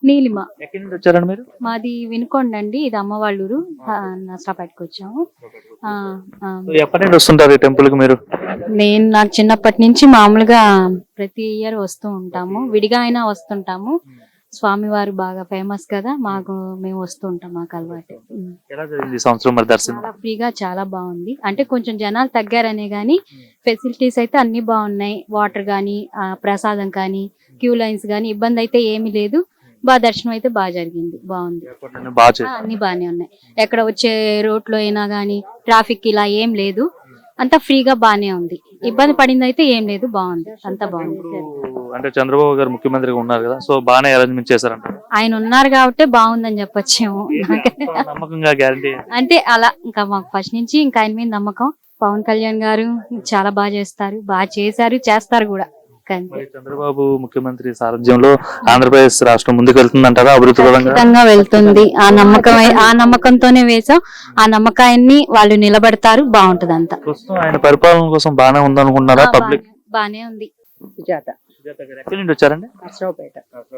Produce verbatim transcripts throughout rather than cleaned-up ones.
నీలిమ. ఎక్కడి నుండి వచ్చారండి మీరు? మాది వినుకొండ అండి, ఇది అమ్మ వాళ్ళ ఊరు. నష్టపేటకి వచ్చాము. ఆ, ఆ. సో ఎప్పటి నుండి వస్తుంటారు ఈ టెంపుల్ కి మీరు? నేను నాకు చిన్నప్పటి నుంచి మామూలుగా ప్రతి ఇయర్ వస్తూ ఉంటాము, విడిగా అయినా వస్తుంటాము. స్వామివారు బాగా ఫేమస్ కదా, మాకు మేము వస్తూ ఉంటాం, మాకు అలవాటు. ఉమ్. ఎలా జరిగింది ఈ సంవత్సరం మరి దర్శనం? చాలా ఫ్రీగా, చాలా బాగుంది. అంటే కొంచెం జనాలు తగ్గారనే గానీ ఫెసిలిటీస్ అయితే అన్ని బాగున్నాయి. వాటర్ గానీ, ఆ, ప్రసాదం కానీ, క్యూ లైన్స్ గానీ ఇబ్బంది అయితే ఏమీ లేదు. బాగా దర్శనం అయితే బాగా జరిగింది, బాగుంది. ఏర్పాట్లన్నీ బాగా ఆ, చేశారు. అన్ని బాగానే ఉన్నాయి. ఎక్కడ వచ్చే రోడ్ లో అయినా గానీ ట్రాఫిక్ ఇలా ఏం లేదు, అంతా ఫ్రీగా బానే ఉంది. ఇబ్బంది పడింది అయితే ఏం లేదు, బాగుంది, అంతా బాగుంది. అంటే చంద్రబాబు గారు ముఖ్యమంత్రిగా ఉన్నారు కదా, సో బాగానే అరేంజ్మెంట్ చేశారంట. ఆయన ఉన్నారు కాబట్టి బాగుందని చెప్పొచ్చేమో. నమ్మకంగా గ్యారంటీ. అంటే అలా ఇంకా మాకు ఫస్ట్ నుంచి ఇంకా ఆయన మీద నమ్మకం. పవన్ కళ్యాణ్ గారు చాలా బాగా చేస్తారు, బాగా చేశారు, చేస్తారు కూడా. మరి చంద్రబాబు ముఖ్యమంత్రి సారథ్యంలో ఆంధ్రప్రదేశ్ రాష్ట్రం ముందుకు వెళ్తుందంటారా అభివృద్ధి పరంగా? ఖచ్చితంగా వెళ్తుంది. ఆ నమ్మకం, ఆ నమ్మకంతోనే వేసాం. ఆ నమ్మకాన్ని వాళ్ళు నిలబడతారు, బాగుంటది అంతా. ప్రస్తుతం ఆయన పరిపాలన కోసం బాగానే ఉందనుకుంటున్నారా పబ్లిక్? బానే ఉంది. సుజాత. ఎక్కడి నుండి వచ్చారండి? నర్సరావుపేట.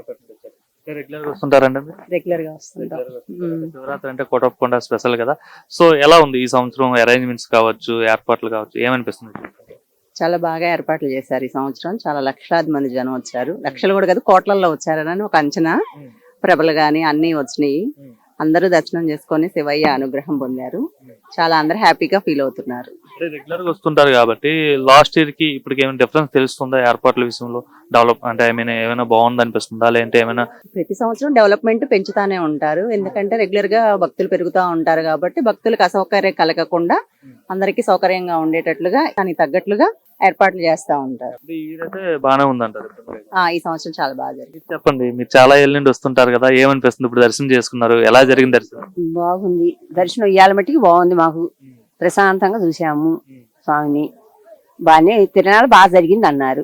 రెగ్యులర్ గా వస్తుంటారండి? రెగ్యులర్ గా వస్తుంటాం. శివరాత్రి అంటే కోటప్పకొండ స్పెషల్ కదా, సో ఎలా ఉంది ఈ సంవత్సరం అరేంజ్మెంట్స్ కావచ్చు, ఏర్పాట్లు కావచ్చు, ఏమనిపిస్తుంది? చాలా బాగా ఏర్పాట్లు చేశారు ఈ సంవత్సరం. చాలా లక్షలాది మంది జనం వచ్చారు. లక్షలు కూడా కదా, కోట్లల్లో వచ్చారని ఒక అంచనా. ప్రభలు గాని అన్ని వచ్చినాయి. అందరూ దర్శనం చేసుకొని శివయ్య అనుగ్రహం పొందారు. చాలా అందరూ హ్యాపీగా ఫీల్ అవుతున్నారు. రెగ్యులర్ గా వస్తుంటారు కాబట్టి లాస్ట్ ఇయర్ కి ఇప్పటికి ఏమైనా డిఫరెన్స్ తెలుస్తుందా ఏర్పాట్ల విషయంలో? డెవలప్ అంటే ఐ మీన్ ఏమైనా బాగుంది అనిపిస్తుందా, లేదంటే ఏమైనా? ప్రతి సంవత్సరం డెవలప్మెంట్ పెంచుతానే ఉంటారు. ఎందుకంటే రెగ్యులర్ గా భక్తులు పెరుగుతూ ఉంటారు కాబట్టి భక్తులకు అసౌకర్యం కలగకుండా అందరికీ సౌకర్యంగా ఉండేటట్లుగా దానికి తగ్గట్లుగా ఏర్పాట్లు చేస్తా ఉంటారు. బాగానే ఉందంటారు. ఈ సంవత్సరం చాలా బాగా జరిగింది. చెప్పండి, మీరు చాలా ఏళ్ళ నుండి వస్తుంటారు కదా, ఏమనిపిస్తుంది ఇప్పుడు దర్శనం చేసుకున్నారు? ఎలా జరిగింది దర్శనం? బాగుంది దర్శనం, ఇయ్యాల మట్టికి బాగుంది. మాకు ప్రశాంతంగా చూసాము స్వామిని. బాగానే తిరణాలు బాగా జరిగింది అన్నారు.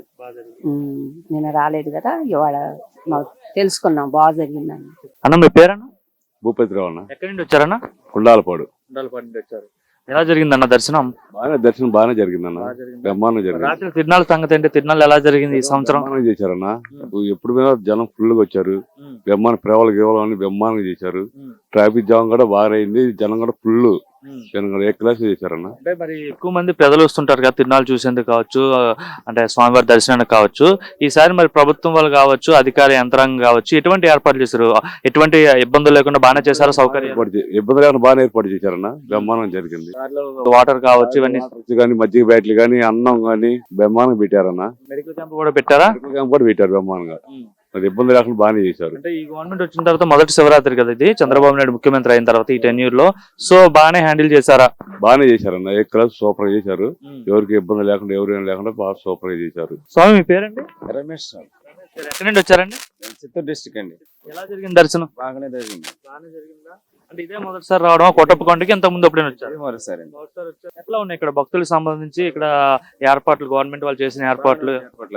నేను రాలేదు కదా, ఇవాళ మాకు తెలుసుకున్నాం బాగా జరిగింది అన్న. అన్న మీ పేరన్నా? భూపతిరావు అన్న. ఎక్కడి నుండి వచ్చారన్నా? కుండాలపాడు. కుండాలపాడు నుండి వచ్చారు. ఎలా జరిగిందన్న దర్శనం? బాగానే దర్శనం బాగానే జరిగిందన్న. బ్రహ్మాండం జరిగింది. రాత్రి తిరునాళ్ళ సంగతి ఏంటి? తిరునాళ్ళు ఎలా జరిగింది ఈ సంవత్సరం? బ్రహ్మాండం చేశారన్న. ఎప్పుడు మీద జనం ఫుల్ గా వచ్చారు. బ్రహ్మాండ ప్రేమలు గేవలం అని బ్రహ్మాండంగా చేశారు. ట్రాఫిక్ జామ్ కూడా బాగా అయింది. జనం కూడా ఫుల్ జనం కూడా ఏ క్లాస్ చేశారన్న. అంటే మరి ఎక్కువ మంది ప్రజలు వస్తుంటారు కదా తిరునాళ్ళు చూసేందుకు కావచ్చు, అంటే స్వామివారి దర్శనానికి కావచ్చు. ఈసారి మరి ప్రభుత్వం వాళ్ళు కావచ్చు, అధికార యంత్రాంగం కావచ్చు, ఎటువంటి ఏర్పాటు చేశారు? ఎటువంటి ఇబ్బందులు లేకుండా బాగానే చేశారు? సౌకర్యం ఇబ్బంది లేకుండా బాగానే ఏర్పాటు చేశారన్న. బ్రహ్మాండం జరిగింది. వాటర్ కావచ్చు, ఇవన్నీ కానీ మజ్జిగ బ్యాట్లు కానీ అన్నం కానీ బ్రహ్మాండంగా పెట్టారన్న. మెడికల్ క్యాంప్ కూడా పెట్టారా? మెడికల్ క్యాంప్ కూడా పెట్టారు బ్రహ్మాండంగా. అది ఇబ్బంది లేకుండా బాగానే చేశారు. అంటే ఈ గవర్నమెంట్ వచ్చిన తర్వాత మొదటి శివరాత్రి కదా ఇది, చంద్రబాబు నాయుడు ముఖ్యమంత్రి అయిన తర్వాత ఈ టెన్ ఇయర్ లో, సో బాగానే హ్యాండిల్ చేశారా? బాగానే చేశారన్న. ఏ క్లాస్ సూపర్ గా చేశారు. ఎవరికి ఇబ్బంది లేకుండా, ఎవరు లేకుండా బాగా సూపర్ గా చేశారు. స్వామి మీ పేరండి? రమేష్. ఎక్కడి నుండి వచ్చారండి? చిత్తూరు డిస్ట్రిక్ట్ అండి. ఎలా జరిగింది దర్శనం? బాగానే జరిగింది. బాగానే జరిగిందా? అంటే ఇదే మొదటిసారి రావడం కోటప్పకొండకి? ఇంత ముందు ఎప్పుడైనా వచ్చారు? మరోసారి. ఎట్లా ఉన్నాయి ఇక్కడ భక్తులకు సంబంధించి ఇక్కడ ఏర్పాట్లు, గవర్నమెంట్ వాళ్ళు చేసిన ఏర్పాట్లు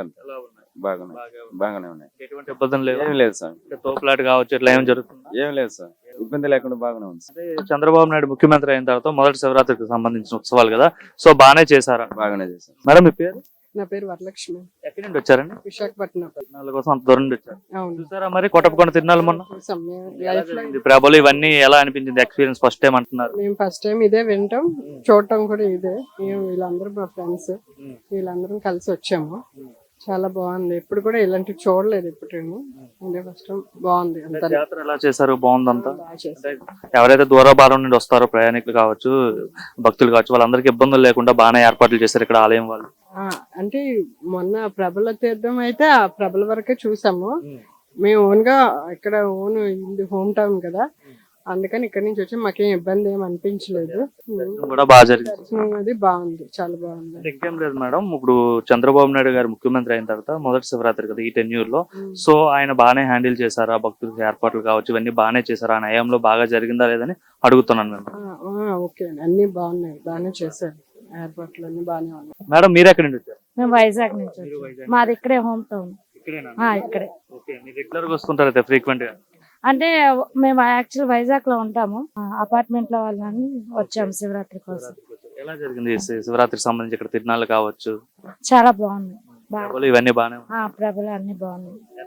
బాగానే బాగానే ఉన్నాయి. ఎటువంటి ఇబ్బందులు లేవు? ఏం లేదు సార్. తోపులాట కావచ్చు, ఇట్లా ఏం జరుగుతుంది? ఏం లేదు సార్, ఇబ్బంది లేకుండా బాగానే ఉంది. అంటే చంద్రబాబు నాయుడు ముఖ్యమంత్రి అయిన తర్వాత మొదటి శివరాత్రికి సంబంధించిన ఉత్సవాలు కదా, సో బాగానే చేశారా? బాగానే చేశారు. మేడం మీ పేరు? నా పేరు వరలక్ష్మి. ఎక్కడి నుండి వచ్చారండి? విశాఖపట్నం. తిరునాళ్ళ కోసం అంత దూరం నుండి వచ్చారు. అవును. చూసారా మరి కోటప్పకొండ తిరునాళ్ళు మొన్న? లైఫ్ లో ప్రభలు ఇవన్నీ ఎలా అనిపించింది? ఎక్స్పీరియన్స్ ఫస్ట్ టైం అంటున్నారు. మేము ఫస్ట్ టైం ఇదే వింటాం, చూడటం కూడా ఇదే. మేము వీళ్ళందరూ మా ఫ్రెండ్స్ వీళ్ళందరం కలిసి వచ్చాము. చాలా బాగుంది. ఎప్పుడు కూడా ఇలాంటివి చూడలేదు ఎప్పుడు. ఇదే ఫస్ట్ టైం. బాగుంది. అంతా జాతర ఎలా చేశారు? బాగుందంతా. బాగా చేశారు. ఎవరైతే దూరభారం నుండి వస్తారో ప్రయాణికులు కావచ్చు, భక్తులు కావచ్చు, వాళ్ళందరికీ ఇబ్బందులు లేకుండా బాగానే ఏర్పాట్లు చేశారు ఇక్కడ ఆలయం వాళ్ళు. ఆ, అంటే మొన్న ప్రభల తీర్థం అయితే ఆ ప్రభల వరకే చూసాము. మేము ఓన్ గా ఇక్కడ ఓన్ ఇది హోమ్ టౌన్ కదా, అందుకని ఇక్కడ నుంచి వచ్చి మాకేం ఇబ్బంది ఏం అనిపించలేదు. కూడా బాగా జరిగింది. దర్శనం అది బాగుంది, చాలా బాగుంది. ఇంకేం లేదు మేడం, ఇప్పుడు చంద్రబాబు నాయుడు గారు ముఖ్యమంత్రి అయిన తర్వాత మొదటి శివరాత్రి కదా ఈ టెన్ ఇయర్ లో, సో ఆయన బాగానే హ్యాండిల్ చేశారా? భక్తులకు ఏర్పాట్లు కావచ్చు ఇవన్నీ బాగానే చేశారా? ఆ నయంలో బాగా జరిగిందా లేదని అడుగుతున్నాను మేము. ఓకే, అన్ని బాగున్నాయి, బాగానే చేశారు. ఏర్పాట్లు అన్ని బాగానే ఉన్నాయి. మేడం మీరు ఎక్కడి నుంచి వచ్చారు? మేము వైజాగ్ నుంచి. మాది ఇక్కడే హోమ్ టౌన్. ఇక్కడే. రెగ్యులర్ గా వస్తుంటారు ఫ్రీక్వెంట్ గా? అంటే మేము యాక్చువల్ వైజాగ్ లో ఉంటాము, అపార్ట్మెంట్ లో వాళ్ళని వచ్చాము శివరాత్రి కోసం. ఎలా జరిగింది శివరాత్రికి సంబంధించి ఇక్కడ తిరునాళ్ళు కావచ్చు? చాలా బాగుంది. ఇవన్నీ బాగానే ప్రభలు అన్ని బాగున్నాయి.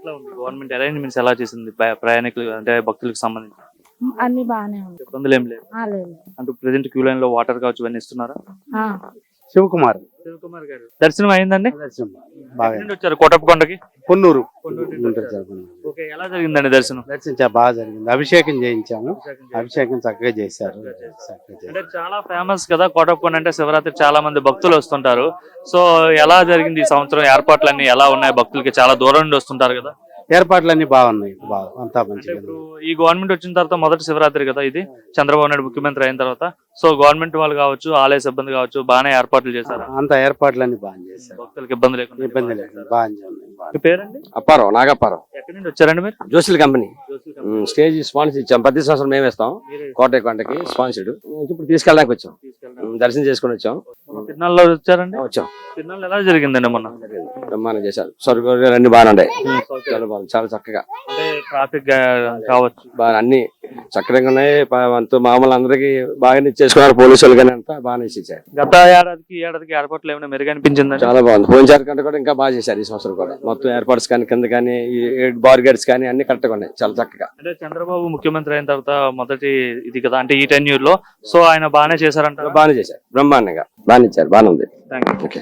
ఎట్లా ఉంది గవర్నమెంట్ అరేంజ్మెంట్స్ ఎలా చేసింది ప్ర- ప్రయాణికులు అంటే భక్తులకు సంబంధించి అన్ని బాగానే ఉంది ఇబ్బందులు ఏం లేవు ఆ, లేదు అంటే ప్రెసెంట్ క్యూ లైన్ లో వాటర్ కావచ్చు ఇవన్నీ ఇస్తున్నారా? ఆ, శివకుమార్ శివకుమార్ గారు దర్శనం అయిందండి? బాగా ఎక్కడి నుండి వచ్చారు కోటప్పకొండకి? పొన్నూరు పొన్నూరు నుండి ఉంటుంది వచ్చారు. సార్, పొన్నూరు. ఓకే, ఎలా జరిగిందండి దర్శనం? దర్శనం చాలా బాగా జరిగింది. అభిషేకం చేయించాము. అభిషేకం చక్కగా చేశారు. చక్కగా చేశారు. అంటే చాలా ఫేమస్ కదా కోటప్పకొండ అంటే శివరాత్రి చాలా మంది భక్తులు వస్తుంటారు. సో ఎలా జరిగింది ఈ సంవత్సరం ఏర్పాట్లన్నీ ఎలా ఉన్నాయి? భక్తులకి చాలా దూరం నుండి వస్తుంటారు కదా. ఏర్పాట్లన్నీ బాగున్నాయి. బాగా అంతా అంటే మంచిగా ఇప్పుడు ఈ గవర్నమెంట్ వచ్చిన తర్వాత మొదటి శివరాత్రి కదా ఇది, చంద్రబాబు నాయుడు ముఖ్యమంత్రి అయిన తర్వాత. సో గవర్నమెంట్ వాళ్ళు కావచ్చు, ఆలయ సిబ్బంది కావచ్చు, బాగానే ఏర్పాట్లు చేశారు. అంత ఏర్పాట్లన్నీ బాగా చేశారు. భక్తులకు ఇబ్బంది లేకుండా ఇబ్బంది లేకుండా బాగా ఉన్నాయి. మీ పేరండి? అప్పారావు నాగప్పారావు ఎక్కడి నుండి వచ్చారండి మీరు? జోసిల్ కంపెనీ ఉమ్, స్టేజ్ స్పాన్సర్ ఇచ్చాం. ప్రతి సంవత్సరం మేము ఇస్తాం. కోటయ్య కొండకి స్పాన్సర్డ్. ఇప్పుడు తీసుకెళ్ళడానికి వచ్చాం. ఉమ్, దర్శనం చేసుకుని వచ్చాం. తిరునాళ్ళలో వచ్చారండి? వచ్చాం. తిరునాళ్ళు ఎలా జరిగిందండి మొన్న? బ్రహ్మాండం చేశారు. సరుకులు అన్ని బాగానే ఉన్నాయి. చాలా బాగుంది. చాలా చక్కగా అంటే ట్రాఫిక్ కావచ్చు బాగా అన్ని చక్కగా ఉన్నాయి. ప- అంతా మామూలు అందరికి బాగానే ఇచ్చేసుకున్నారు. పోలీసులు కానీ అంతా బాగానే ఇచ్చారు. గత ఏడాదికి ఈ ఏడాదికి ఏర్పాట్లు ఏమైనా మెరుగనిపించిందండి? చాలా బాగుంది. పోయినసారి కంటే కూడా ఇంకా బాగా చేశారు ఈ సంవత్సరం కూడా. మొత్తం ఏర్పాట్స్ కానీ కింద కానీ బార్ గేట్స్ కానీ అన్ని కరెక్ట్ గా ఉన్నాయి. చాలా చక్కగా. అంటే చంద్రబాబు ముఖ్యమంత్రి అయిన తర్వాత మొదటి ఇది కదా అంటే ఈ టెన్యూర్ లో, సో ఆయన బాగానే చేశారంట. బాగానే చేశారు. బ్రహ్మాండంగా బాగానే ఇచ్చారు. బాగానే ఉంది. Thank you. ఓకే.